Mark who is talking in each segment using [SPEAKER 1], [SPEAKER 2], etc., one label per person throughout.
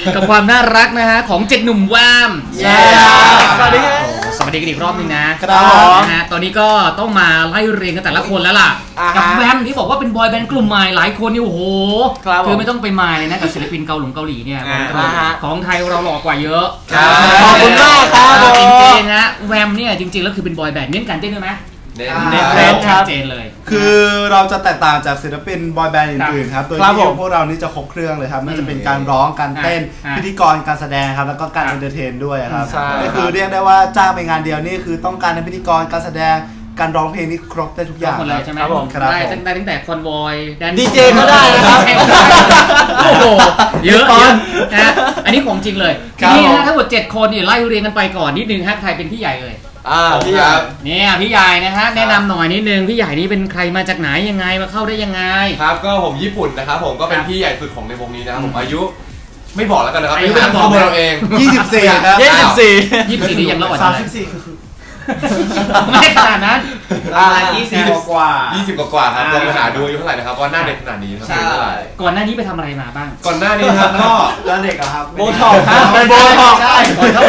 [SPEAKER 1] กับความน่ารักนะฮะของ7หนุ่มแวม
[SPEAKER 2] สวัสดีครับ
[SPEAKER 1] สวัสดีกันอีกรอบนึงนะครับนะฮะตอนนี้ก็ต้องมาไล่เรียงกันแต่ละคนแล้วล่ะกับแวมที่บอกว่าเป็นบอยแบนด์กลุ่มใหม่หลายคนนี่โอ้โหคือไม่ต้องไปมายเลยนะกับศิลปินเกาหลีเนี่ยของไทยเราหล่อกว่าเยอะ
[SPEAKER 2] ขอบคุณมากครับ
[SPEAKER 1] จริงๆฮะแวมเนี่ยจริงๆแล้วคือเป็นบอยแบนด์เน้นการเต้นด้วยไหม
[SPEAKER 2] เน้น
[SPEAKER 1] ชัดเจนเลย
[SPEAKER 3] คือเราจะแตกต่างจากศิลปินบอยแบนด์อื่นๆครับโดยที่พวกเรานี่จะครบเครื่องเลยครับไม่ว่าจะเป็นการร้องการเต้นพิธีกรการแสดงครับแล้วก็การเอนเตอร์เทนด้วยครับก็คือเรียกได้ว่าจ้างไปงานเดียวนี่คือต้องการในพิธีกรการแสดงการร้องเพลงนี่ครบได้ทุกอย่าง
[SPEAKER 1] เลยใช่ไหมได้ตั้งแต่คอนวอย
[SPEAKER 2] ดีเจก็ได้นะครับ
[SPEAKER 1] โอ้โหเยอะนะอันนี้ของจริงเลยนี่นะทั้งหมด7คนนี่ไล่เรียงกันไปก่อนนิดนึงฮะใครเป็นพี่ใหญ่เลย
[SPEAKER 2] พี่ใหญ่
[SPEAKER 1] เนี่ยพี่ใหญ่นะฮะแนะนำหน่อยนิดนึงพี่ใหญ่นี่เป็นใครมาจากไหนยังไงมาเข้าได้ยังไง
[SPEAKER 4] ครับก็ผมญี่ปุ่นนะครับผมก็เป็นพี่ใหญ่สุดของในวงนี้นะครับผมอายุไม่บอกแล้วกันนะครับเป็นข้อมูลเราเอง
[SPEAKER 3] 24ครับ
[SPEAKER 1] 24นี่ยังรอดไม่ขนาดนั้น
[SPEAKER 3] 20กว่า
[SPEAKER 4] ครับลองไปหาดูอายุเท่าไหร่นะครับว่าหน้าเด็กขนาดนี้ครับ
[SPEAKER 1] ก่อนหน้านี้ไปทำอะไรมาบ้าง
[SPEAKER 4] ก่อนหน้านี้ครับก็
[SPEAKER 3] หน้าเด็กครับ
[SPEAKER 2] โบท็อกครับโบท็อก
[SPEAKER 4] ใช่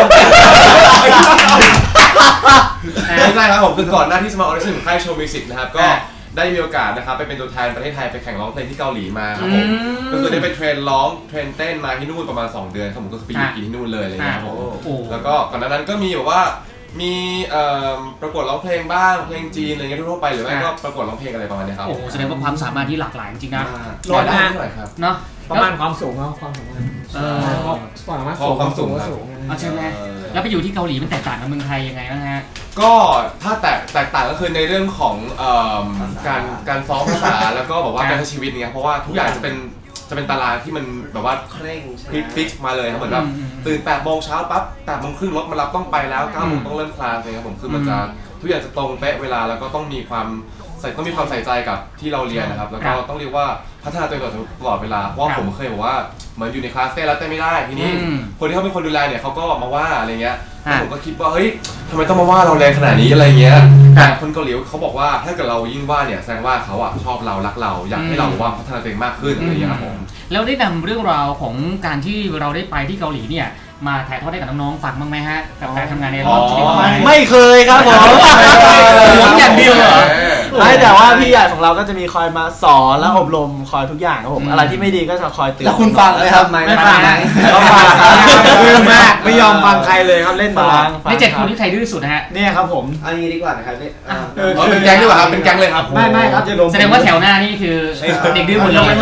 [SPEAKER 4] ครับผมคือก่อนหน้าที่จะมาออดิชั่นของค่ายโชว์มิวสิกนะครับก็ได้มีโอกาสนะครับไปเป็นตัวแทนประเทศไทยไปแข่งร้องเพลงที่เกาหลีมาครับผมก็คือได้ไปเทรนร้องเทรนเต้นมาที่นู่นประมาณ2 เดือนครับผมก็คือไปอยู่กินที่นู่นเลยอะไรอย่างเงี้ยครับผมแล้วก็ก่อนหน้านั้นก็มีแบบว่ามีประกวดร้องเพลงบ้างเพลงจีนอะไรเงี้ยทั่วไปหรือไม่ก็ประกวดร้องเพลงอะไรประมาณนี้ครับ
[SPEAKER 1] โอ้โหแสดงว่าความสามารถที่หลากหลายจริงๆนะ
[SPEAKER 4] ร้อยได้เท่าไหร่ครับ
[SPEAKER 1] เนาะ
[SPEAKER 2] ประมาณความสูงเขาความสูง
[SPEAKER 4] ความสูง
[SPEAKER 1] ใช่ไหมแล้วไปอยู่ที่เกาหลีมันแตกต่างกับเมืองไทยยังไงบ้างฮะ
[SPEAKER 4] ก็ถ้าแตกต่างก็คือในเรื่องของการซ้อมภาษาแล้วก็แบบว่าการใช้ชีวิตเนี่ยเพราะว่าทุกอย่างจะเป็นตารางที่มันแบบว่าเคร่งฟิกซ์มาเลยครับเหมือนแบบตื่น8 โมงเช้าปั๊บ8 โมงครึ่งรถมารับต้องไปแล้ว9 โมงต้องเริ่มคลาสเลยครับผมคือมันจะทุกอย่างจะตรงเป๊ะเวลาแล้วก็ต้องมีความใส่ใจกับที่เราเรียนนะครับแล้วก็ต้องเรียกว่าพัฒนาตัวเองตลอดเวลาเพราะผมเคยบอกว่าเหมือนอยู่ในคลาสเต้นแล้วเต้นไม่ได้ทีนี้คนที่เขาเป็นคนดูแลเนี่ยเขาก็มาว่าอะไรเงี้ยผมก็คิดว่าเฮ้ยทำไมต้องมาว่าเราแรงขนาดนี้อะไรเงี้ยแต่คนเกาหลีเขาบอกว่าถ้าเกิดเรายิ่งว่าเนี่ยแสดงว่าเขาชอบเรารักเราอยากให้เราว่าพัฒนาตัวเองมากขึ้นอะไรเงี้ยครับผม
[SPEAKER 1] แล้วได้นำเรื่องราวของการที่เราได้ไปที่เกาหลีเนี่ยมาถ่ายทอดให้กับน้องๆฟังบ้างไหมฮะกับการทำงานในรอบชีวิต
[SPEAKER 2] ไม่เคยครับผม
[SPEAKER 1] อย่างเดียวเหรอ
[SPEAKER 2] ไม่แต่ว่าพี่ใหญ่ของเราก็จะมีคอยมาสอนและอบรมคอยทุกอย่างครับผมอะไรที่ไม่ดีก็จะคอยเตือน
[SPEAKER 3] แล้วคุณฟังไหมครับ
[SPEAKER 2] ไม่ฟังก็ฟังมากไม่ยอมฟังใครเลยครับเล่นฟัง
[SPEAKER 1] ใน7 คนที่ใครดื้อสุดนะฮะ
[SPEAKER 2] เนี่ยครับผม
[SPEAKER 3] อันนี้ดีกว่านะครับ
[SPEAKER 4] เป็นแก๊งดีกว่าครับเป็นแก๊งเลยครับ
[SPEAKER 2] ไม่ครับจะ
[SPEAKER 1] แสดงว่าแถวหน้านี่คือเด็กดื้อหมดเลย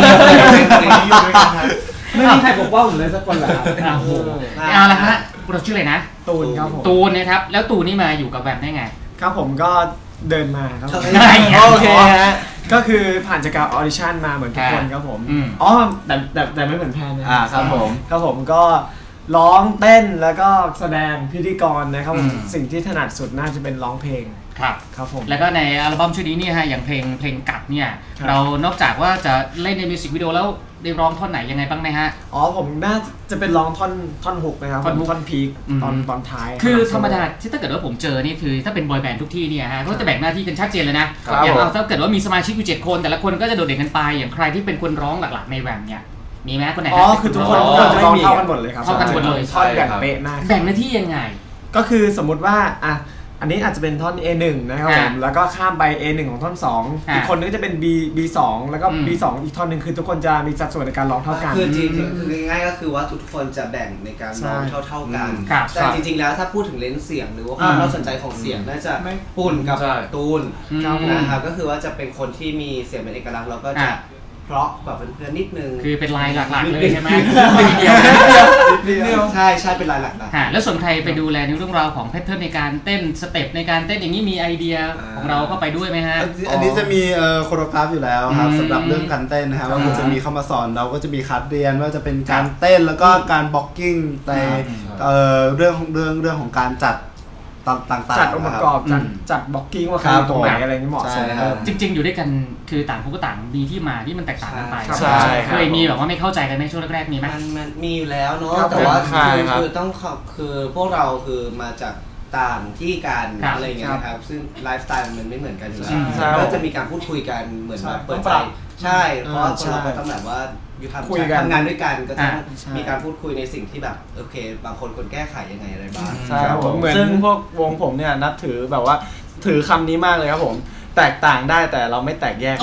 [SPEAKER 2] ไม่มีใครปกป้องผมเลยสักคนเลยครับ
[SPEAKER 1] โอ้โหเอาละฮะเราชื่ออะไรนะ
[SPEAKER 2] ตูนครับผม
[SPEAKER 1] ตูนนะครับแล้วตูนนี่มาอยู่กับแบมได้ไง
[SPEAKER 2] ครับผมก็เดินมาครับโอเคฮะก็คือผ่านจากการออดิชั่นมาเหมือนทุกคนครับผมอ๋อแต่ไม่เหมือนแพนนะครับผมก็ร้องเต้นแล้วก็แสดงพิธีกรนะครับสิ่งที่ถนัดสุดน่าจะเป็นร้องเพลงครับผม
[SPEAKER 1] แล้วก็ในอัลบั้มชุดนี้เนี่ยฮะอย่างเพลงกัดเนี่ยเรานอกจากว่าจะเล่นในมิวสิกวิดีโอแล้วได้ร้องท่อนไหนยังไงบ้างไหมฮะ
[SPEAKER 2] อ๋อผมน่าจะเป็นร้องท่อนฮุกนะครับท่อนพีคตอนท้าย
[SPEAKER 1] คือธรรมดาที่ถ้าเกิดว่าผมเจอนี่คือถ้าเป็นบอยแบนด์ทุกที่เนี่ยฮะก็จะแบ่งหน้าที่กันชัดเจนเลยนะอย่างถ้าเกิดว่ามีสมาชิกอยู่7 คนแต่ละคนก็จะโดดเด่นกันไปอย่างใครที่เป็นคนร้องหลักๆในแวมเนี่ยมีไหมคนไหน
[SPEAKER 2] อ๋อคือทุกคนจะร้องเท่ากันหมดเลยครับ
[SPEAKER 1] เท่ากันหมดเลย
[SPEAKER 2] ท่อนแบ่งเป๊ะมาก
[SPEAKER 1] แบ่งหน้าที่ยังไง
[SPEAKER 2] ก็คือสมมติว่าอันนี้อาจจะเป็นท่อน A1 นะครับผมแล้วก็ข้ามไป A1 ของท่อน2อีกคนนึงจะเป็น B2 แล้วก็ B2 อีกท่อนหนึ่งคือทุกคนจะมีสัดส่วนในการร้องเท่ากัน
[SPEAKER 3] คือจริงๆคือง่ายๆก็คือว่าทุกคนจะแบ่งในการร้องเท่ากันแต่จริงๆแล้วถ้าพูดถึงเลนส์เสียงหรือว่าความน่าสนใจของเสียงน่าจะปุ่นกับตูนนะครับก็คือว่าจะเป็นคนที่มีเสียงเป็นเอกลักษณ์แล้วก็จะเพราะกว่าเพื่อนๆนิดนึง
[SPEAKER 1] คือเป็นลายหลักๆเลยใช่ไหม
[SPEAKER 3] ใช่เป็นลายหลัก
[SPEAKER 1] ๆแล้วส่วนใครไปดูแลในเรื่องราวของแพทเทิร์นในการเต้นสเต็ปในการเต้นอย่างนี้มีไอเดียของเราก็ไปด้วยไหมฮะ
[SPEAKER 3] อันนี้จะมีโคโรกราฟอยู่แล้วครับสำหรับเรื่องการเต้นนะครับว่าจะมีเข้ามาสอนเราก็จะมีคัดเรียนว่าจะเป็นการเต้นแล้วก็การบล็อกกิ้งในเรื่องของการจัดต่างๆ
[SPEAKER 2] จัดองค์ประกอบจัดบล็อกกิ้งว่าใครตรงไหนอะไรนี่เหมาะสม
[SPEAKER 1] จริงๆอยู่ด้วยกันคือต่างคนก็ต่างมีที่มาที่มันแตกต่างกันไปเคยมีแบบว่าไม่เข้าใจกันในช่วงแรกๆมีไหม
[SPEAKER 3] มันมีอยู่แล้วเนาะแต่ว่าคือต้องคือพวกเราคือมาจากต่างที่การอะไรเงี้ยนะครับซึ่งไลฟ์สไตล์มันไม่เหมือนกันอยู่แล้วก็จะมีการพูดคุยกันเหมือนแบบเปิดใจใช่เพราะคนเราก็ต้องแบบว่า
[SPEAKER 2] คุยกัน
[SPEAKER 5] ทำงานด้วยกันก็ต้องมีการพูดคุยในสิ่งที่แบบโอเคบางคนควรแก้ไขยังไงอะไรบ้าง
[SPEAKER 2] ใช่ครับผมเหมือนซึ่งพวกวงผมเนี่ยนับถือแบบว่าถือคำนี้มากเลยครับผมแตกต่างได้แต่เราไม่แตกแยก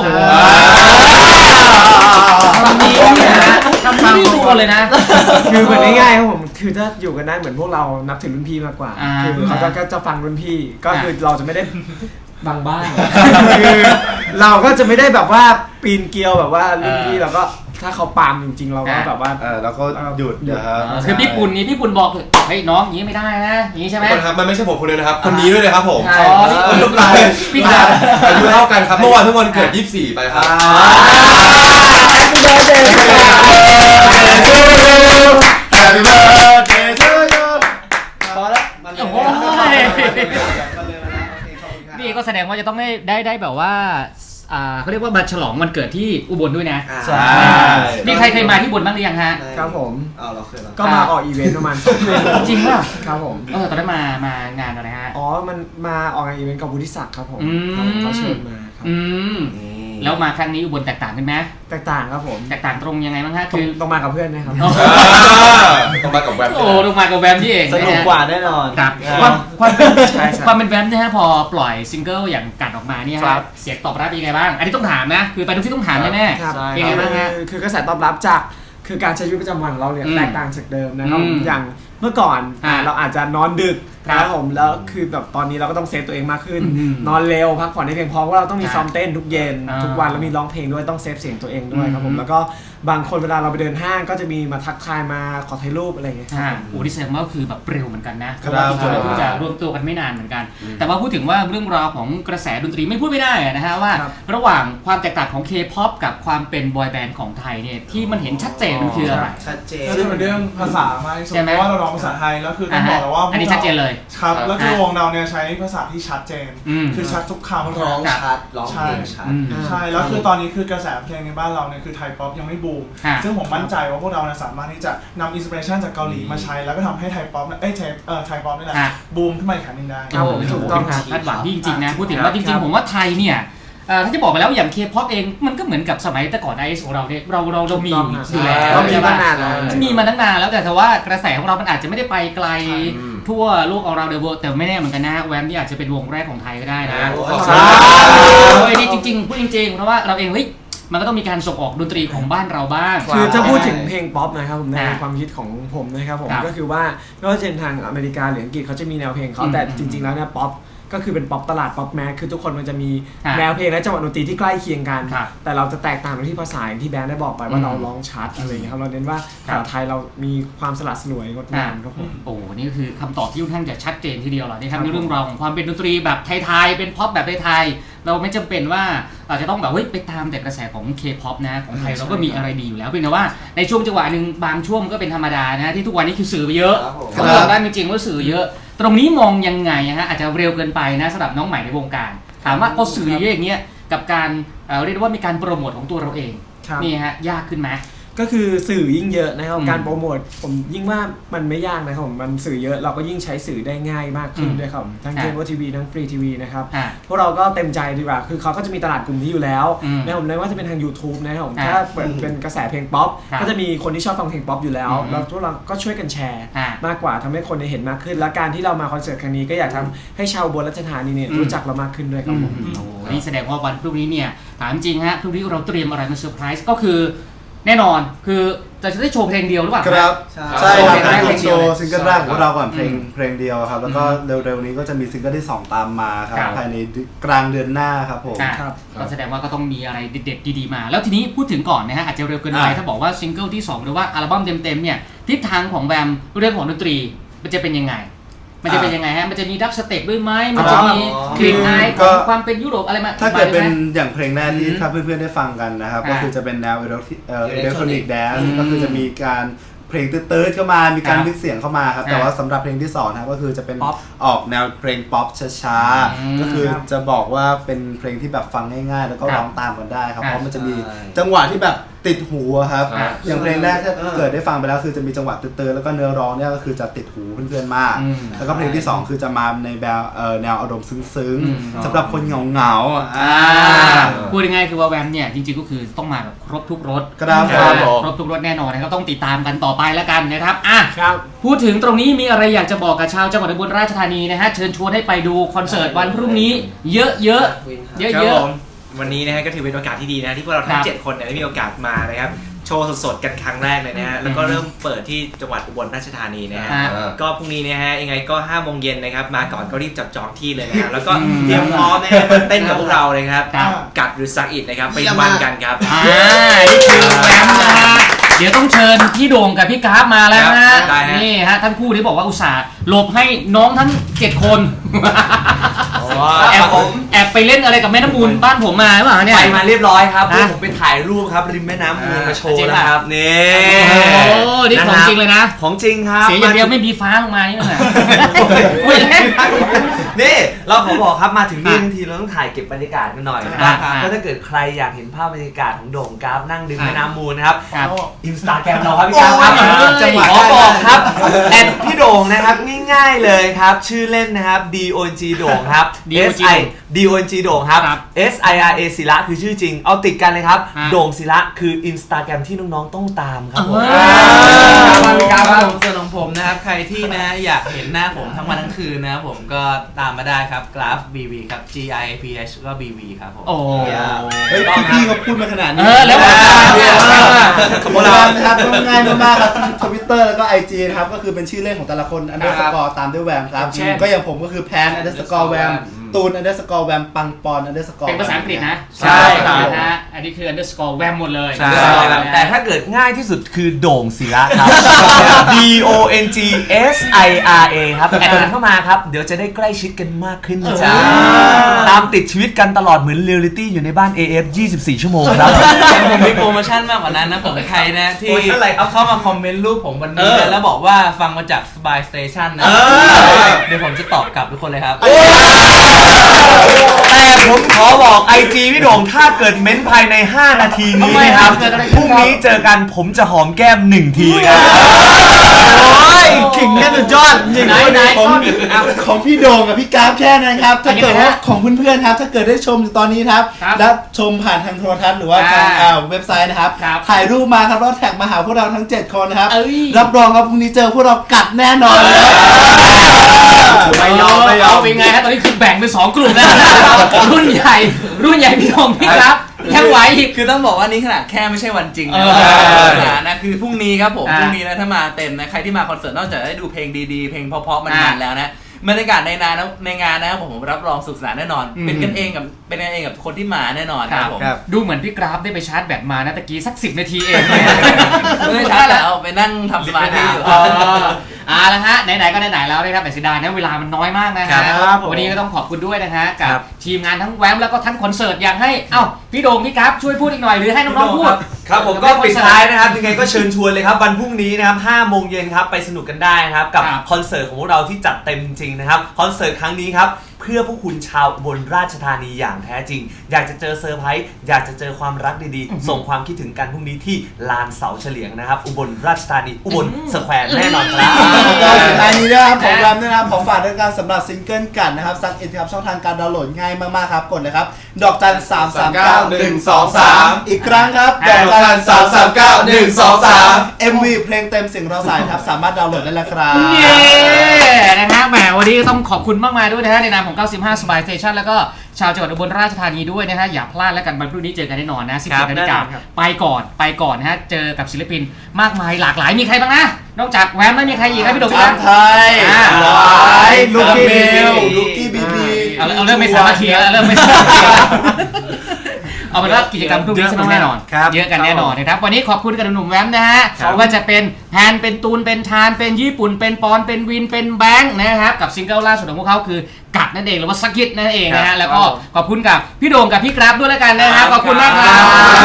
[SPEAKER 1] คำนี้เนี่ยนะคำนี้ดูเลยนะ
[SPEAKER 2] คือเหมือนง่ายๆครับผมคือถ้าอยู่กันได้เหมือนพวกเรานับถือรุ่นพี่มากกว่าคือเขาก็จะฟังรุ่นพี่ก็คือเราจะไม่ได้บางบ้านคือเราก็จะไม่ได้แบบว่าปีนเกลียวแบบว่ารุ่นพี่เราก็ถ้าเขาปามจริงๆเราก็แบบว่า
[SPEAKER 3] เราก็หยุดนะครับ
[SPEAKER 1] คือพี่ปุ่นบอกเฮ้ยน้องอย่างนี้ไม่ได้นะอย่างนี้ใช่ไหม
[SPEAKER 4] ครับมันไม่ใช่ผมคนเดียวนะครับคนนี้ด้วยนะครับผม
[SPEAKER 1] พี่ดา
[SPEAKER 4] อายุเท่ากันครับเมื่อวานเพิ่งวันเกิด24ไปครับ
[SPEAKER 3] Happy birthday to you
[SPEAKER 5] พอแล้วมัน
[SPEAKER 1] นี่ก็แสดงว่าจะต้องได้แบบว่าเขาเรียกว่ามาฉลองวันเกิดที่อุบลด้วยนะ
[SPEAKER 2] ใช่
[SPEAKER 1] มีใครเคยมาที่อุบลบ้างหรือยังฮะ
[SPEAKER 2] ครับผม
[SPEAKER 5] เราเคย
[SPEAKER 2] ก็มาออกอีเวนต์ประมาณ
[SPEAKER 1] จริงป่ะ
[SPEAKER 2] ครับผม
[SPEAKER 1] ตอนนั้นมางานอะไรฮะ
[SPEAKER 2] มันมาออกงานอีเวนต์กับวุฒิศักดิ์ครับผมเขาเชิญมาครับ
[SPEAKER 1] แล้วมาครั้งนี้อุบลแตกต่างกันไหม
[SPEAKER 2] แตกต่างครับผม
[SPEAKER 1] แตกต่างตรงยังไงบ้างฮะคือ
[SPEAKER 2] ต้องมากับเพื่อนนะครับ
[SPEAKER 4] ต้องมากับแวม
[SPEAKER 1] ต้องมากับแวมที่เอง
[SPEAKER 2] สนุกกว่าแน่นอน
[SPEAKER 1] ครับความเป็นแวมนะฮะพอปล่อยซิงเกิลอย่างกัดออกมาเนี่ยเสียงตอบรับยังไงบ้างอันนี้ต้องถามนะคือไปทุกที่ต้องถามแน่ๆยังไงบ้างฮะ
[SPEAKER 2] คือกระแสตอบรับจากคือการใช้ชีวิตประจำวันของเราเนี่ยแตกต่างจากเดิมนะครับอย่างเมื่อก่อนเราอาจจะนอนดึกครับผมแล้วคือแบบตอนนี้เราก็ต้องเซฟตัวเองมากขึ้นนอนเร็วพักผ่อนให้เพียงพอเพราะเราต้องมีซ้อมเต้นทุกเย็นทุกวันแล้วมีร้องเพลงด้วยต้องเซฟเสียงตัวเองด้วยครับผมแล้วก็บางคนเวลาเราไปเดินห้างก็จะมีมาทักทายมาขอถ่ายรูปอะไรอย่างเงี้ย
[SPEAKER 1] ที่แสดงว่าคือแบบเร็วเหมือนกันนะเพราะว่าเราเพิ่งจะรวมตัวกันไม่นานเหมือนกันแต่ว่าพูดถึงว่าเรื่องราวของกระแสดนตรีไม่พูดไม่ได้นะฮะว่าระหว่างความแตกต่างของ K-POP กับความเป็นบอยแบนด์ของไทยเนี่ยที่มันเห็นชัดเจนมันคืออะไร
[SPEAKER 5] ชัดเจน
[SPEAKER 6] ก็จะเป็นเรื่องภาษามากที่สุดเพราะว่าเราร้องภาษาไทยแล้วคือต้องบอกเลยว่า
[SPEAKER 1] อันนี้ชัดเจนเลย
[SPEAKER 6] ครับแล้วคือวงเราเนี่ยใช้ภาษาที่ชัดเจนคือชัดทุกคำ
[SPEAKER 5] ร้องชัดร้องเพลงชัด
[SPEAKER 6] ใช่แล้วคือตอนนี้คือกระแสเพลงในบ้านเราเนี่ยคือไทยป๊อปยังไม่บูมซึ่งผมมั่นใจว่าพวกเราสามารถที่จะนำอินสปิเรชันจากเกาหลีมาใช้แล้วก็ทำให้ไทยป๊อปไทยป๊อปนี่แหละบูมขึ้นมาอีกครั้งนึงได้
[SPEAKER 1] ครับผมถูกต้องครับคาดหวังที่จริงๆนะพูดถึงว่าจริงๆผมว่าไทยเนี่ยถ้าจะบอกไปแล้วอย่าง K-POP เองมันก็เหมือนกับสมัยแต่ก่อน IS ของเราเนี่ยเรามีอยู่แล้ว
[SPEAKER 2] มีมานานแล้ว
[SPEAKER 1] มีมาตั้งนานแล้วแต่ว่ากระแสของเรามันอาจจะไม่ได้ไปไกลทั่วโลกของเราเดอะเวิลด์แต่ไม่แน่เหมือนกันนะแวมที่อาจจะเป็นวงแรกของไทยก็ได้นะนี่จริงๆพูดจริงๆเพราะว่าเราเองมันก็ต้องมีการส่งออกดนตรีของบ้านเราบ้าง
[SPEAKER 2] คือถ้าพูดถึงเพลงป๊อปนะครับผมในความคิดของผมนะครับผมก็คือว่าไม่ว่าจะเป็นทางอเมริกาหรืออังกฤษเขาจะมีแนวเพลงเขาแต่จริงๆแล้วเนี่ยป๊อปก็คือเป็นป๊อปตลาดป๊อปแมสคือทุกคนมันจะมีแนวเพลงและจังหวะดนตรีที่ใกล้เคียงกันแต่เราจะแตกต่างตรงที่ภาษาอย่างที่แบรนด์ได้บอกไปว่าเราร้องชัดอะไรอย่างเงี้ยครับเราเน้นว่าภาษาไทยเรามีความสลัดสลวยงดงามครับผม
[SPEAKER 1] โอ้นี่ก็คือคำตอบที่ค่อนข้างจะชัดเจนทีเดียวเลยนะครับในเรื่องราวของความเป็นดนตรีแบบไทยๆเป็นป๊อปแบบไทยๆเราไม่จำเป็นว่าเราจะต้องแบบไปตามแต่กระแสของ K-POP นะของไทยเราก็มีอะไรดีอยู่แล้วเพียงแต่ว่าในช่วงจังหวะนึงบางช่วงก็เป็นธรรมดานะที่ทุกวันนี้คือสื่อไปเยอะเขาบอกได้จริงๆว่าสื่อเยอะตรงนี้มองยังไงฮะอาจจะเร็วเกินไปนะสำหรับน้องใหม่ในวงการถามว่าพอสื่อเยอะอย่างเงี้ยกับการเรียกว่ามีการโปรโมทของตัวเราเองนี่ฮะยากขึ้นไหม
[SPEAKER 2] ก็คือสื่อยิ่งเยอะนะครับการโปรโมทผมยิ่งว่ามันไม่ยากนะครับมันสื่อเยอะเราก็ยิ่งใช้สื่อได้ง่ายมากขึ้นด้วยครับทั้งเคเบิลทีวีทั้งฟรีทีวีนะครับพวกเราก็เต็มใจดีกว่าคือเขาก็จะมีตลาดกลุ่มนี้อยู่แล้วนะครับผมเลยว่าจะเป็นทาง YouTube นะครับผมถ้าเป็นกระแสเพลงป๊อปก็จะมีคนที่ชอบฟังเพลงป๊อปอยู่แล้วแล้วพวกเราก็ช่วยกันแชร์มากกว่าทำให้คนได้เห็นมากขึ้นและการที่เรามาคอนเสิร์ตครั้งนี้ก็อยากทำให้ชาวอุบลราชธานีเนี่ยรู้จักเรามากขึ้นด้วยครับผม
[SPEAKER 1] นี่แสดงว่าวันพรุ่งนี้เนี่ยถามจริงฮะพรุ่งนี้เราเตรียมอะไรมาเซอร์ไพรส์ก็คือแน่นอนคือจะได้โชว์เพลงเดียวหรือเปล่า
[SPEAKER 3] ครับใช่ครับโชว์ซิงเกิลแรกของเราก่อนเพลงเดียวครับแล้วก็เร็วๆนี้ก็จะมีซิงเกิลที่2ตามมาครับภายในกลางเดือนหน้าครับผม
[SPEAKER 1] ก็แสดงว่าก็ต้องมีอะไรเด็ดๆดีๆมาแล้วทีนี้พูดถึงก่อนนะฮะอาจจะเร็วเกินไปถ้าบอกว่าซิงเกิลที่2หรือว่าอัลบั้มเต็มๆเนี่ยทิศทางของแวมเรื่องของดนตรีมันจะเป็นยังไงมันจะเป็นยังไงฮะมันจะมีดับสเต็ปด้วยไหมมันจะมีกลิ่นอายของความเป็นยุโรปอะไรมา
[SPEAKER 3] ถ้าเกิดเป็นอย่างเพลงแรกที่ถ้าเพื่อนๆได้ฟังกันนะครับก็คือจะเป็นแนวอิเล็กทรอนิกส์แดนซ์ก็คือจะมีการเพลงตื้อๆเข้ามามีการมิกซ์เสียงเข้ามาครับแต่ว่าสำหรับเพลงที่2นะครับก็คือจะเป็นออกแนวเพลงป๊อปช้าๆก็คือจะบอกว่าเป็นเพลงที่แบบฟังง่ายๆแล้วก็ร้องตามกันได้ครับเพราะมันจะมีจังหวะที่แบบติดหูอะครับอย่างเพลงแรกถ้าเกิดได้ฟังไปแล้วคือจะมีจังหวะเตือนๆแล้วก็เนื้อร้องเนี่ยก็คือจะติดหูเพื่อนๆมากแล้วก็เพลงที่2คือจะมาในแนวอารมณ์ซึ้งๆสำหรับคนเหงา
[SPEAKER 1] พูดง่ายๆคือว่าแวมเนี่ยจริงๆก็คือต้องมาแบบครบทุกรสครบทุกรสแน่นอนนะครับต้องติดตามกันต่อไปแล้วกันนะครับพูดถึงตรงนี้มีอะไรอยากจะบอกกับชาวจังหวัดอุบลราชธานีนะฮะเชิญชวนให้ไปดูคอนเสิร์ตวันพรุ่งนี้เยอะ
[SPEAKER 7] วันนี้นะฮะก็ถือเป็นโอกาสที่ดีนะที่พวกเราทั้ง7คนเนี่ยได้มีโอกาสมานะครับโชว์สดๆกันครั้งแรกเลยนะฮะแล้วก็เริ่มเปิดที่จังหวัดอุบลราชธานีนะฮะก็พรุ่งนี้นะฮะยังไงก็5 โมงเย็นนะครับมาก่อนก็รีบจับจองที่เลยนะฮะแล้วก็เตรียมพร้อมนะฮะเต้นกับพวกเราเลยครับกัดหรือซักอิดนะครับไปมันกันครับ
[SPEAKER 1] นี่คือแวมนะฮะเดี๋ยวต้องเชิญพี่โด่งกับพี่กราฟมาแล้วนะนี่ฮะท่านคู่ที่บอกว่าอุตส่าห์หลบให้น้องทั้ง7 คนแอบไปเล่นอะไรกับแม่น้ำมูลบ้านผมมาหรือเปล่าเนี่ย
[SPEAKER 7] ไปมาเรียบร้อยครับผมไปถ่ายรูปครับริมแม่น้ำมูลมาโชว์นะครับนี่
[SPEAKER 1] นี่ของจริงเลยนะ
[SPEAKER 7] ของจริงครับ
[SPEAKER 1] เสียอย่างเดียวไม่มีฟ้าลงมานี่แหละ
[SPEAKER 7] นี่เราขอบอกครับมาถึงนี่ทันทีเราต้องถ่ายเก็บบรรยากาศกันหน่อยนะครับก็ถ้าเกิดใครอยากเห็นภาพบรรยากาศของโด่งกราฟนั่งริมแม่น้ำมูลนะครับInstagram เราครับพี่กราฟครับขอบอกครับแอดพี่โด่งนะครับง่ายๆเลยครับชื่อเล่นนะครับ DONG โด่งครับ DONG โด่งครับ SIRA ศิระคือชื่อจริงเอาติดกันเลยครับโด่งศิระคือ Instagram ที่น้องๆต้องตามครับผม
[SPEAKER 8] ส่วนของผมนะครับใครที่นะอยากเห็นหน้าผมทั้งวันทั้งคืนนะครับผมก็ตามมาได้ครับกราฟ BV ครับ GIPH ก็ BV ครับผม
[SPEAKER 3] เฮ้ยพี่ก็พูดมาขนาดนี้
[SPEAKER 1] แล้ว
[SPEAKER 3] ขอบคุณนะครับง่ายมากๆครับ Twitter แล้วก็ IG นะครับก็คือเป็นชื่อเล่นของแต่ละคน_ตามด้วยแวมครับก็อย่างผมก็คือแพน_แวมตูน_แวมปังปอน_
[SPEAKER 1] เป็นภาษาอังกฤษนะใช่นะฮะอันนี้คือ_แวมหมดเลย
[SPEAKER 7] แต่ถ้าเกิดง่ายที่สุดคือโด่งศิระครับ DONGSIRA ครับแอดเข้ามาครับเดี๋ยวจะได้ใกล้ชิดกันมากขึ้นจ้าตามติดชีวิตกันตลอดเหมือนเรียลลิตี้อยู่ในบ้าน AF 24 ชั่วโมงครับ
[SPEAKER 8] ผมมีโปรโมชั่นมากกว่านั้นนะผมใครนะที่เอาเข้ามาคอมเมนต์รูปผมวันนี้แล้วบอกว่าฟังมาจาก Spy Station นะเดี๋ยวผมจะตอบกลับทุกคนเลยครับ
[SPEAKER 7] แต่ผมขอบอก IG พี่โด่งถ้าเกิดเม้นภายใน5 นาทีนี้นะครับพรุ่งนี้เจอกันผมจะหอมแก้ม1 ทีครับ
[SPEAKER 3] ขิงเนี่ยสุดยอดจริงๆของพี่โด่งกับพี่กราฟแค่นั้นครับถ้าเกิดว่าของเพื่อนๆครับถ้าเกิดได้ชมอยู่ตอนนี้ครับและชมผ่านทางโทรทัศน์หรือว่าทางเว็บไซต์นะครับถ่ายรูปมาครับแล้วแท็กมาหาพวกเราทั้ง7 คนนะครับรับรองครับพรุ่งนี้เจอพวกเรากัดแน่นอนเลย
[SPEAKER 1] ไม่ยอมเป็นไงฮะตอนนี้คือแบ่งเป็น2 กลุ่มแล้วรุ่นใหญ่พี่โด่งพี่กราฟยังไหว
[SPEAKER 8] คือต้องบอกว่านี่ขนาดแค่ไม่ใช่วันจริงนะคือพรุ่งนี้ครับผมพรุ่งนี้นะถ้ามาเต็มนะใครที่มาคอนเสิร์ตนอกจากได้ดูเพลงดีๆเพลงเพราะๆมันแล้วนะบรรยากาศในงานนะครับผมรับรองสุขสนานแน่นอนเป็นกันเองกับคนที่มาแน่นอนครับผม
[SPEAKER 1] ดูเหมือนพี่กราฟได้ไปชาร์จแบตมานะตะกี้สัก10 นาทีเอง
[SPEAKER 8] ไม่ได้ชาร์จแล้วไปนั่งทำสมาธิอยู่
[SPEAKER 1] แล้วฮะไหนๆก็ไหนๆแล้วนะครับแต่เสียดายนะเวลามันน้อยมากนะฮะวันนี้ก็ต้องขอบคุณด้วยนะฮะกับทีมงานทั้งแวมแล้วก็ทั้งคอนเสิร์ตอยากให้พี่โด่งพี่กราฟช่วยพูดอีกหน่อยหรือให้น้องๆพูด
[SPEAKER 7] ครับผมก็ปิดท้ายนะครับยังไงก็เชิญชวนเลยครับวันพรุ่งนี้นะครับ5 โมงเย็นครับไปสนุกกันได้นะครับกับคอนเสิร์ตของพวกเราที่จัดเต็มจริงนะครับคอนเสิร์ตครั้งนี้ครับเพื่อพวกคุณชาวอุบลราชธานีอย่างแท้จริงอยากจะเจอเซอร์ไพรส์อยากจะเจอความรักดีๆส่งความคิดถึงกันพรุ่งนี้ที่ลานเสาเฉลียงนะครับอุบลราชธานีอุบลสแควร์แน่นอนครับ
[SPEAKER 3] ก็สุดท้ายนี้นะครับของแวมนะครับขอฝากด้วยกันสำหรับซิงเกิลกันนะครับซักอินครับช่องทางการดาวน์โหลดง่ายมากๆครับกดเลยครับ
[SPEAKER 4] $339-123
[SPEAKER 3] อีกครั้งครับ
[SPEAKER 4] $339-123
[SPEAKER 3] MV เพลงเต็มสิ่งเราสายครับสามารถดาวน์โหลดได้แล้วครับ
[SPEAKER 1] เย้นะฮะแหมวันนี้ต้องขอบคุณมากมายด้วยนะฮะในนามของ95 Spy Station แล้วก็ชาวจังหวัดอุบลราชธานีด้วยนะฮะอย่าพลาดแล้วกันวันพรุ่งนี้เจอกันแน่นอนนะ 17 นาฬิกาไปก่อนนะฮะเจอกับศิลปินมากมายหลากหลายมีใครบ้างนะนอกจากแวมไม่มีใครอีกครับพี่โด่ง
[SPEAKER 3] ครับไทยลูกกี้บีบี
[SPEAKER 1] เอาเริ่มไม่สามัคคีแล้วเริ่มไม่เอาเป็นว่ากิจกรรมพรุ่งนี้สนุกแน่นอนเยอะกันแน่นอนนะครับวันนี้ขอบคุณกับหนุ่มแวมนะฮะว่าจะเป็นแพนเป็นตูนเป็นทานเป็นญี่ปุ่นเป็นปอนเป็นวินเป็นแบงค์นะครับกับซิงเกิลล่าสุดของพวกเขาคือกัดนั่นเองหรือว่าสกิทนั่นเองนะฮะแล้วก็ขอบคุณกับพี่โด่งกับพี่กราฟด้วยแล้วกันนะครับขอบคุณมากครับ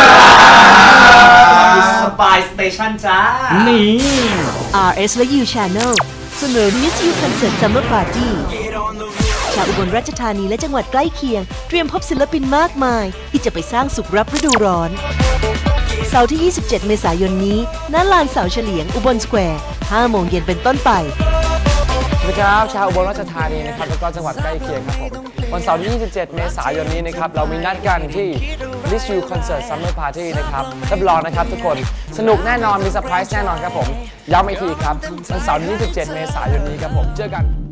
[SPEAKER 7] Spy Station จ้า
[SPEAKER 1] นี่
[SPEAKER 9] RS และ You Channel เสนอ Miss You Concert Summer Party ชาวอุบลราชธานีและจังหวัดใกล้เคียงเตรียมพบศิลปินมากมายที่จะไปสร้างสุขรับฤดูร้อนเสาร์ที่ 27 เมษายนนี้ณลานเสาเฉลียงอุบลสแควร์ 5 โมงเย็นเป็นต้นไป
[SPEAKER 10] สวัสดีครับชาวอุบลราชธานีนะครับแล้วก็จังหวัดใกล้เคียงครับผมวันเสาร์ที่ 27 เมษายนนี้นะครับเรามีนัดกันที่ Miss You Concert Summer Party นะครับรับรองนะครับทุกคนสนุกแน่นอนมีเซอร์ไพรส์แน่นอนครับผมย้ำอีกทีครับวันเสาร์ที่ 27 เมษายนนี้ครับผมเจอกัน